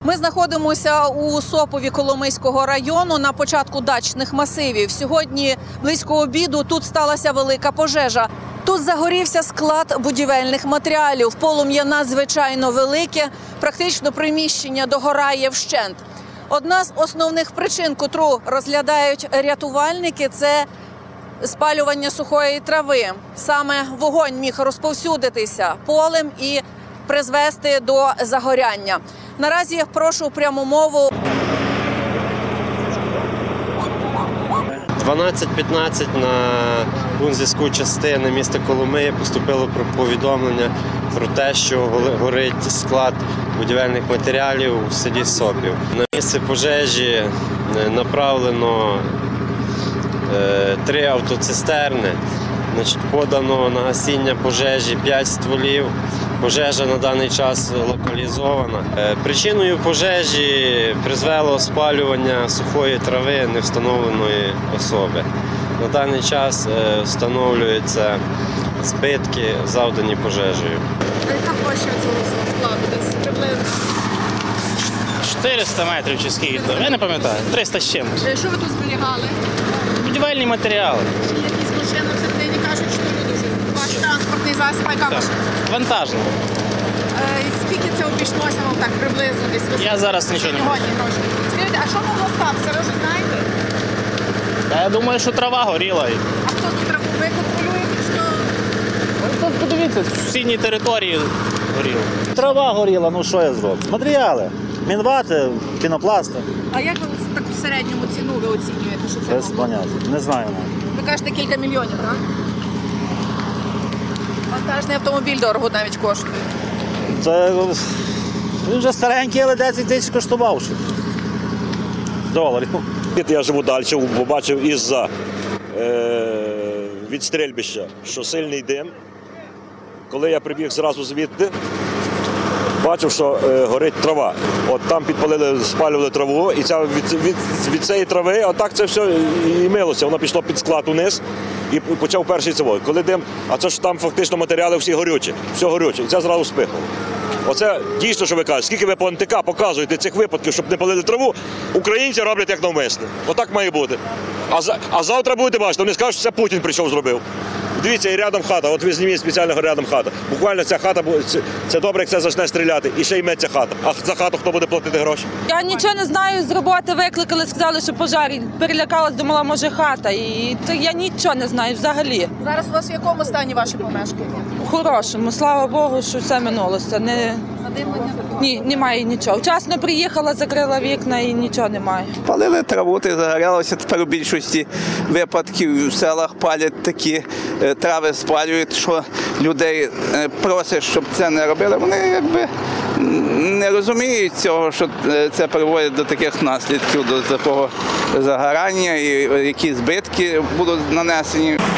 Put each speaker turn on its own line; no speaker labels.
Ми знаходимося у Сопові Коломийського району на початку дачних масивів. Сьогодні близько обіду тут сталася велика пожежа. Тут загорівся склад будівельних матеріалів. Полум'я надзвичайно велике, практично приміщення догорає вщент. Одна з основних причин, котру розглядають рятувальники, це спалювання сухої трави. Саме вогонь міг розповсюдитися полем і призвести до загоряння. Наразі прошу пряму мову.
12:15 на пункт зв'язку частини міста Коломиї поступило повідомлення про те, що горить склад будівельних матеріалів у селі Сопів. На місце пожежі направлено 3 автоцистерни. Подано на гасіння пожежі 5 стволів. Пожежа на даний час локалізована. Причиною пожежі призвело спалювання сухої трави невстановленої особи. На даний час встановлюються збитки, завдані пожежею.
Яка площа цього складу десь приблизно?
400 метрів чи скільки, я не пам'ятаю, 300 з чимось.
Що ви тут зберігали?
Будівельні матеріали.
Чи якісь машини в середині кажуть, що люди живуть? Ваш транспортний засіб, яка машина?
Вантажно.
Скільки це обійшлося вам так приблизно десь?
Я зараз нічого не можу.
Гроші. Скажіть, а що могло статися? Ви вже знаєте?
Та я думаю, що трава горіла.
А хто тут траву? Ви контролюєте, що?
Тут подивіться, в сусідній території горіло.
Трава горіла, ну що я зроблю? Матеріали. Мінвати, пінопласти.
А як ви так в середньому ціну ви оцінюєте, що це
Без
могло?
поняття. Не знаю навіть.
Ви кажете кілька мільйонів, так? Вантажний автомобіль дорого навіть коштує.
Це він вже старенький, але 10 тисяч коштував ще. Доларів.
Я живу далі, побачив із-за від стрільбища, що сильний дим. Коли я прибіг зразу звідти, бачив, що горить трава. От там підпалили, спалювали траву, і від цієї трави отак це все і милося. Воно пішло під склад униз і почав перший цивой. Коли дим, а це ж там фактично матеріали всі горючі, все горюче, і це зразу спихало. Оце дійсно, що ви кажете, скільки ви по НТК показуєте цих випадків, щоб не палили траву, українці роблять як навмисне. Отак має бути. А завтра будете бачити, вони скажуть, що це Путін прийшов, зробив. Дивіться, і рядом хата, от ви зніміть спеціально рядом хата. Буквально ця хата, це добре, як це почне стріляти, і ще йметься хата. А за хату хто буде платити гроші?
Я нічого не знаю, з роботи викликали, сказали, що пожар. Перелякалась, думала, може хата. І я нічого не знаю взагалі.
Зараз у вас в якому стані ваші помешкання?
У хорошому, слава Богу, що все минулося.
Задимлення?
Ні, немає нічого. Вчасно приїхала, закрила вікна і нічого немає.
Палили траву, ти загорялося. Тепер у більшості випадків в селах палять такі трави, спалюють, що людей просять, щоб це не робили. Вони якби не розуміють цього, що це приводить до таких наслідків, до такого загорання і які збитки будуть нанесені.